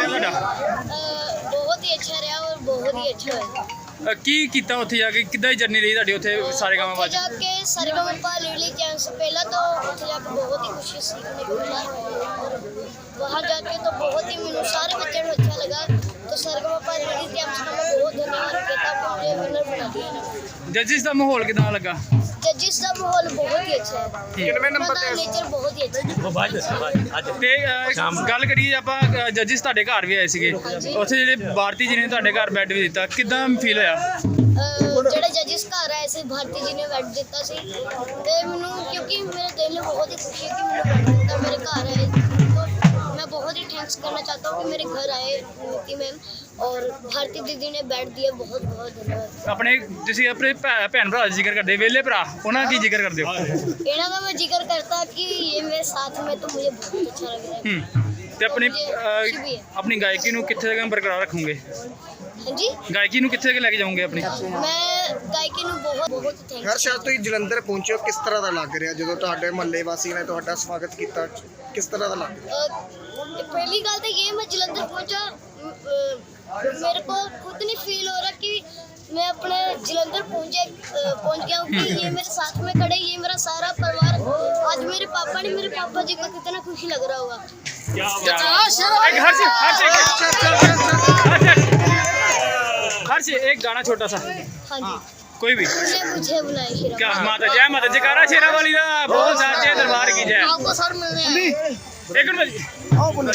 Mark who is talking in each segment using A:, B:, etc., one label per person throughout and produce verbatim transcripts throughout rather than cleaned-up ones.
A: ਤੁਹਾਡਾ?
B: ਬਹੁਤ ਹੀ ਅੱਛਾ ਰਿਹਾ ਔਰ ਬਹੁਤ ਹੀ ਅੱਛਾ ਹੋਇਆ।
A: ਅ, ਕੀ ਕੀਤਾ ਉੱਥੇ ਜਾ ਕੇ? ਕਿੱਦਾਂ ਦੀ ਜਰਨੀ ਰਹੀ ਤੁਹਾਡੀ ਉੱਥੇ ਸਾਰੇ ਗਾਵਾਂ
B: ਉੱਥੇ
A: ਬਾਅਦ?
B: ਜਾ ਕੇ सरगम लिली चैंस पहला तो ਉੱਥੇ ਜਾ ਕੇ बहुत ही कुछ सीखने को मिला और वहाँ जाके तो बहुत ही मैंने सारे बच्चों को अच्छा लगा। तो सरगम लिली चैंस का मैं बहुत धन्यवाद कहता हूँ, मुझे विनर बना दिया ना।
A: ਜੱजिस ਦਾ ਮਾਹੌਲ ਕਿਦਾਂ ਲੱਗਾ?
B: जजिस का माहौल बहुत ही अच्छा है।
C: कितने नंबर पे?
B: नेचर बहुत ही अच्छा है।
A: ਤੇ ਅ, ਗੱਲ ਕਰੀਏ ਆਪਾਂ ਜੱजिस ਤੁਹਾਡੇ ਘਰ ਵੀ ਆਏ ਸੀਗੇ, ਉੱਥੇ ਜਿਹੜੇ ਭਾਰਤੀ ਜੀ ਨੇ ਤੁਹਾਡੇ ਘਰ ਬੈੱਡ ਵੀ ਦਿੱਤਾ, ਕਿਦਾਂ ਫੀਲ ਹੋਇਆ?
B: ਜਿਹੜੇ ਜੱजिस ਘਰ ਆਏ ਸੀ ਭਾਰਤੀ ਜੀ ਨੇ ਬੈਠ ਦਿੱਤਾ ਸੀ ਤੇ ਮੈਨੂੰ ਕਿਉਂਕਿ ਮੇਰੇ ਦਿਲ ਨੂੰ ਬਹੁਤ ਹੀ ਖੁਸ਼ੀ ਹੈ ਕਿ ਮੈਨੂੰ ਬੈਠ ਦਿੱਤਾ ਮੇਰੇ ਘਰ ਆਏ। तो मैं बहुत ही थैंक्स करना चाहता हूँ कि मेरे घर आए नीति मैम और भारती दीदी ने बैठ दिया। बहुत बहुत धन्यवाद।
A: ਆਪਣੇ ਤੁਸੀਂ ਆਪਣੇ ਭੈ- ਭੈਣ ਭਰਾ ਦਾ ਜ਼ਿਕਰ ਕਰਦੇ, ਵੇਲੇ ਭਰਾ, ਉਹਨਾਂ ਦਾ ਕੀ ਜ਼ਿਕਰ ਕਰਦੇ ਹੋ?
B: ਇਹਨਾਂ ਦਾ मैं जिक्र करता कि ये मेरे साथ में तो मुझे बहुत अच्छा लग रहा है।
A: ਹੂੰ ਤੇ ਆਪਣੀ ਅ, ਆਪਣੀ ਗਾਇਕੀ ਨੂੰ ਕਿੱਥੇ ਤੱਕ ਬਰਕਰਾਰ ਰੱਖੋਗੇ?
B: हाँ जी,
A: ਗਾਇਕੀ ਨੂੰ ਕਿੱਥੇ ਤੱਕ ਲੈ ਕੇ ਜਾਓਗੇ ਆਪਣੀ?
B: मैं गायकी ਨੂੰ बहुत बहुत थैंक्स।
C: ਹਰ ਸ਼ਾਇਦ ਤੁਸੀਂ ਜਲੰਧਰ ਪਹੁੰਚੇ ਹੋ, ਕਿਸ ਤਰ੍ਹਾਂ ਦਾ ਲੱਗ ਰਿਹਾ ਜਦੋਂ ਤੁਹਾਡੇ ਮਹੱਲੇ ਵਾਸੀ ਨੇ ਤੁਹਾਡਾ ਸਵਾਗਤ ਕੀਤਾ? ਕਿਸ ਤਰ੍ਹਾਂ ਦਾ ਲੱਗ ਰਿਹਾ?
B: अ, पहली गल तो ये मैं जलंधर पहुंचा, अ, मेरे को खुद नहीं फील हो रहा कि मैं अपने जलंधर पहुंचे अ, पहुंच गया हूँ कि ये मेरे साथ में खड़े, ये मेरा सारा परिवार। आज मेरे पापा ने मेरे पापा जी को कितना खुशी लग रहा होगा।
A: एक हर्ष हर्ष एक हर्ष एक गाना छोटा सा
B: हाँ जी,
A: कोई भी।
B: तूने मुझे बुलाया शेरा।
A: क्या माता जय माता जयकारा शेरा वाली दा बोल साचे दरबार की जय।
C: आपको सर मिलने हैं।
A: एक मिनट
C: आओ बोलो।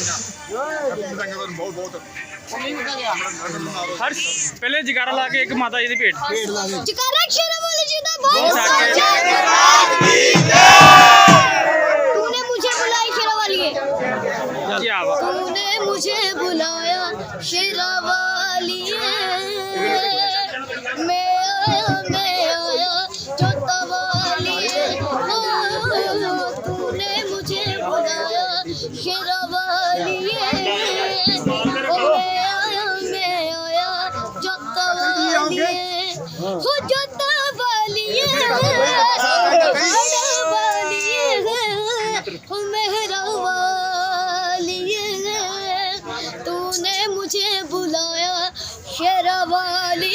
A: हर्ष पहले जयकारा ला के एक माता जी दी भेंट।
B: जयकारा शेरा वाली जी दा बोल
A: बोल साचे
B: साचे
A: दरबार की
B: तूने मुझे बुलाया शेरा वाली है।
A: क्या बात।
B: तूने मुझे बुलाया शेरा वाली मैं आया मैं आया जो तवाली तूने मुझे बुलाया शेरा वाली मैं आया मैं आया जो तवाली हो जो तवाली हो मेहरा वाली तूने मुझे बुलाया शेरा वाली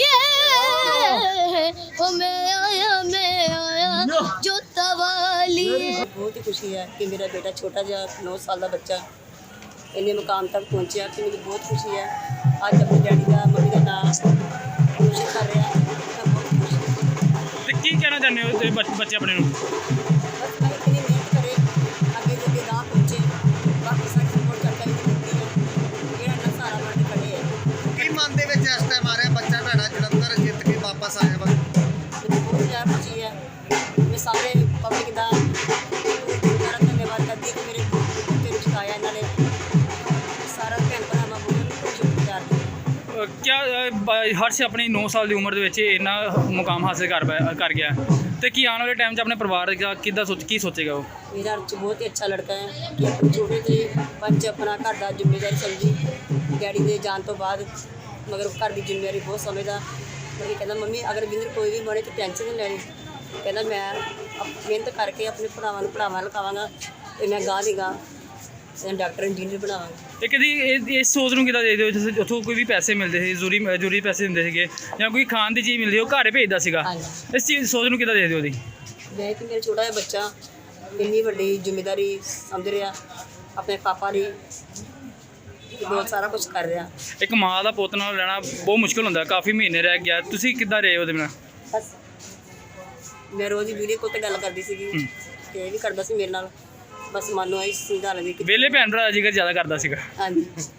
B: हो मैं आया मैं आया जो तवाली।
D: बहुत ही खुशी है कि मेरा बेटा छोटा जिहा नौ साल का बच्चा इन्ने मुकाम तक पहुंचा कि मुझे बहुत खुशी है। अज अपने डैडी का मम्मी का नाम रोशन कर रहा है, मैं बहुत खुश हूँ।
A: ਤੇ ਕੀ ਕਹਿਣਾ ਚਾਹੁੰਦੇ ਹੋ ਤੇ ਬੱਚ- ਬੱਚੇ ਆਪਣੇ ਨੂੰ?
D: बस मैं इतनी मेहनत करे आगे जाके गाँव पहुँचे, बाकी सारी सपोर्ट करता ही देती है। मेरा ना सारा बन खड़े है।
C: ਕੀ ਮਨ ਦੇ ਵਿੱਚ ਇਸ ਟਾਈਮ ਆ ਰਿਹਾ ਬੱਚਾ ਤੁਹਾਡਾ ਜਲੰਧਰ ਜਿੱਤ ਕੇ ਵਾਪਸ ਆਇਆ ਵਾ?
D: मुझे बहुत ज़्यादा खुशी है। मैं सारे पब्लिक का सारा धन्यवाद करती कि मेरे बच्चे ਨੂੰ ਸਿਖਾਇਆ ਇਹਨਾਂ ਨੇ। ਸਾਰਾ ਭੈਣ ਭਰਾ ਮੈਂ ਬਹੁਤ ਸ਼ੁਕਰਗੁਜ਼ਾਰ ਹਾਂ।
A: ਅ, ਕਿਆ ਅ, ਬ- ਹਰਸ਼ ਆਪਣੀ ਨੌ ਸਾਲ ਦੀ ਉਮਰ ਦੇ ਵਿੱਚ ਇੰਨਾ ਮੁਕਾਮ ਹਾਸਿਲ ਕਰ ਪਾਇਆ- ਕਰ ਗਿਆ ਤੇ ਕੀ ਆਉਣ ਵਾਲੇ ਟਾਈਮ 'ਚ ਆਪਣੇ ਪਰਿਵਾਰ ਦਾ ਕਿੱਦਾਂ ਸੋਚ ਕੀ ਸੋਚੇਗਾ ਉਹ?
D: मेरा अर्ज बहुत ही अच्छा लड़का है कि अपने छोटे ਜਿਹੇ ਬੱਚ ਆਪਣਾ ਘਰ ਦਾ ਜ਼ਿੰਮੇਵਾਰੀ ਸਮਝੀ ਡੈਡੀ ਦੇ ਜਾਣ ਤੋਂ ਬਾਅਦ, ਮਗਰ ਘਰ ਦੀ ਜ਼ਿੰਮੇਵਾਰੀ ਬਹੁਤ ਸਮਝਦਾ। ਮਤਲਬ ਕਹਿੰਦਾ ਮੰਮੀ ਅਗਰ ਵਿੰਦਰ ਕੋਈ ਵੀ ਬਣੇ ਤਾਂ ਟੈਨਸ਼ਨ ਨਹੀਂ ਲੈਣੀ। ਕਹਿੰਦਾ ਮੈਂ ਅਪ- ਮਿਹਨਤ ਕਰਕੇ ਆਪਣੇ ਭਰਾਵਾਂ ਨੂੰ ਪੜਾਵਾਂ ਲਿਖਾਵਾਂਗਾ ਅਤੇ ਮੈਂ ਗਾਂ ਦੀ ਗਾਂ ਡਾਕਟਰ ਇੰਜੀਨੀਅਰ ਬਣਾਵਾਂਗਾ।
A: ਇਹ ਕਦੀ ਇਹ ਇਸ ਸੋਚ ਨੂੰ ਕਿੱਦਾਂ ਦੇਖਦੇ ਹੋ ਜਿਵੇਂ ਉੱਥੋਂ ਕੋਈ ਵੀ ਪੈਸੇ ਮਿਲਦੇ ਸੀ, ਜ਼ਰੂਰੀ ਜ਼ਰੂਰੀ ਪੈਸੇ ਦਿੰਦੇ ਸੀਗੇ ਜਾਂ ਕੋਈ ਖਾਣ ਦੀ ਚੀਜ਼ ਮਿਲਦੀ ਉਹ ਘਰ ਭੇਜਦਾ ਸੀਗਾ,
D: ਹਾਂਜੀ।
A: ਇਸ ਚੀਜ਼ ਸੋਚ ਨੂੰ ਕਿੱਦਾਂ ਦੇਖਦੇ ਹੋ ਉਹਦੀ?
D: ਮੈਂ ਕਿ ਮੇਰਾ ਛੋਟਾ ਜਿਹਾ ਬੱਚਾ ਇੰਨੀ ਵੱਡੀ ਜ਼ਿੰਮੇਵਾਰੀ ਸਮਝ ਰਿਹਾ, ਆਪਣੇ ਪਾਪਾ ਲਈ ਬਹੁਤ ਸਾਰਾ ਕੁਝ ਕਰ ਰਿਹਾ।
A: ਇੱਕ ਮਾਂ ਦਾ ਪੁੱਤ ਨਾਲ ਰਹਿਣਾ ਬਹੁਤ ਮੁਸ਼ਕਿਲ ਹੁੰਦਾ, ਕਾਫੀ ਮਹੀਨੇ ਰਹਿ ਗਿਆ, ਤੁਸੀਂ ਕਿੱਦਾਂ ਰਹੇ ਉਹਦੇ ਨਾਲ?
D: ਬਸ ਮੈਂ ਰੋਜ਼ ਵੀਡੀਓ ਕੋਲ ਤੇ ਗੱਲ ਕਰਦੀ ਸੀਗੀ ਤੇ ਇਹ ਵੀ ਕਰਦਾ ਸੀ ਮੇਰੇ ਨਾਲ। ਬਸ ਮਨ ਨੂੰ ਇਹ ਸਮਝਾ ਲੈਂਦੀ ਕਿ
A: ਵਿਹਲੇ ਭੈਣ ਭਰਾ ਦਾ ਜ਼ਿਕਰ ਜ਼ਿਆਦਾ ਕਰਦਾ ਸੀਗਾ।
D: ਹਾਂਜੀ।